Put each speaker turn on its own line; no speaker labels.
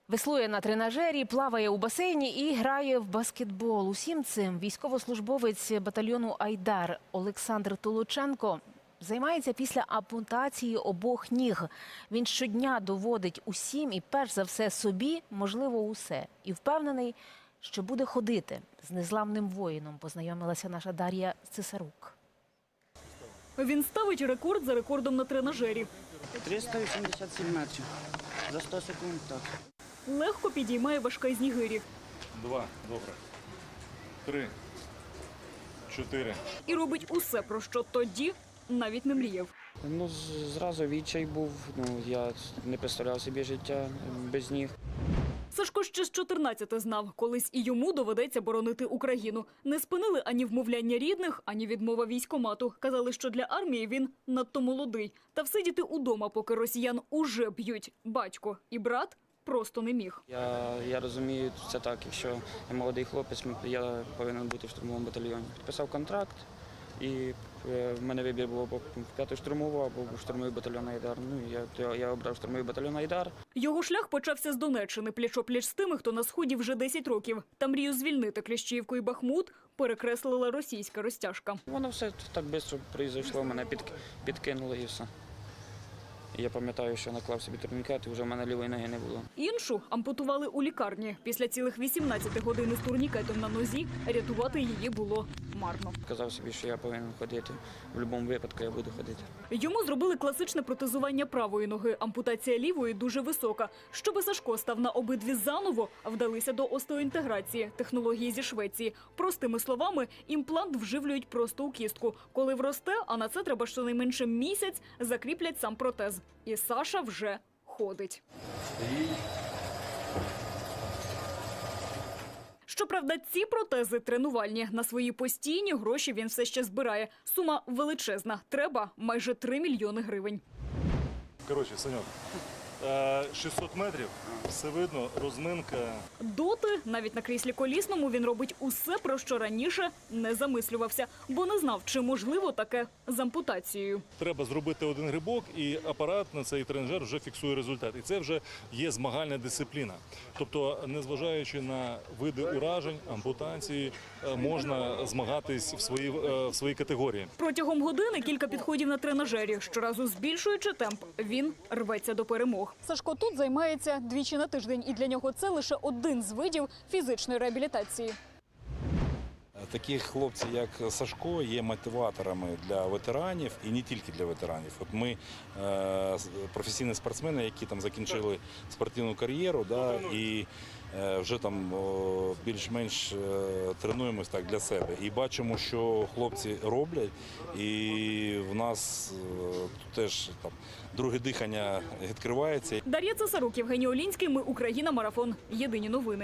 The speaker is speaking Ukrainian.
Веслує на тренажері, плаває у басейні і грає в баскетбол. Усім цим військовослужбовець батальйону «Айдар» Олександр Толученко займається після ампутації обох ніг. Він щодня доводить усім і перш за все собі, можливо, усе. І впевнений, що буде ходити. З незламним воїном познайомилася наша Дар'я Цесарук.
Він ставить рекорд за рекордом на тренажері.
387 метрів. За 100 секунд, так.
Легко підіймає важка з нігирі.
2, добре. 3, 4.
І робить усе, про що тоді навіть не мріяв.
Зразу відчай був, я не представляв собі життя без ніг.
Сашко ще з 14 знав, колись і йому доведеться боронити Україну. Не спинили ані вмовляння рідних, ані відмова військкомату. Казали, що для армії він надто молодий. Та всидіти удома, поки росіян уже б'ють батько і брат, просто не міг.
Я розумію, це так, якщо я молодий хлопець, я повинен бути в штурмовому батальйоні. Підписав контракт, і в мене вибір був або в 5-ю штурмову, або в штурмовий батальйон «Айдар». Я обрав штурмовий батальйон «Айдар».
Його шлях почався з Донеччини, пліч-о-пліч з тими, хто на Сході вже 10 років. Та мрію звільнити Кліщіївку і Бахмут перекреслила російська розтяжка.
Воно все так швидко пройшло, мене підкинуло і все. Я пам'ятаю, що наклав собі турнікет, і вже в мене лівої ноги не було.
Іншу ампутували у лікарні. Після цілих 18 годин із турнікетом на нозі рятувати її було марно.
Казав собі, що я повинен ходити. В будь-якому випадку я буду ходити.
Йому зробили класичне протезування правої ноги. Ампутація лівої дуже висока. Щоби Сашко став на обидві заново, вдалися до остеоінтеграції, технології зі Швеції. Простими словами, імплант вживлюють просто у кістку. Коли вросте, а на це треба щонайменше місяць, закріплять сам протез. І Саша вже ходить. Щоправда, ці протези тренувальні. На свої постійні гроші він все ще збирає. Сума величезна. Треба майже 3 мільйони гривень.
Коротше, Саньок, 600 метрів, все видно, розминка.
Доти, навіть на кріслі колісному, він робить усе, про що раніше не замислювався, бо не знав, чи можливо таке з ампутацією.
Треба зробити один грибок, і апарат на цей тренажер вже фіксує результат. І це вже є змагальна дисципліна. Тобто, незважаючи на види уражень, ампутації, можна змагатись в своїй категорії.
Протягом години кілька підходів на тренажері. Щоразу збільшуючи темп, він рветься до перемог. Сашко тут займається двічі на тиждень, і для нього це лише один з видів фізичної реабілітації.
Такі хлопці, як Сашко, є мотиваторами для ветеранів і не тільки для ветеранів. От ми професійні спортсмени, які там закінчили спортивну кар'єру, і вже там більш-менш тренуємось так для себе. І бачимо, що хлопці роблять, і в нас теж там друге дихання відкривається.
Дар'я Цесарук, Євгеній Олінський. Ми Україна. Марафон. Єдині новини.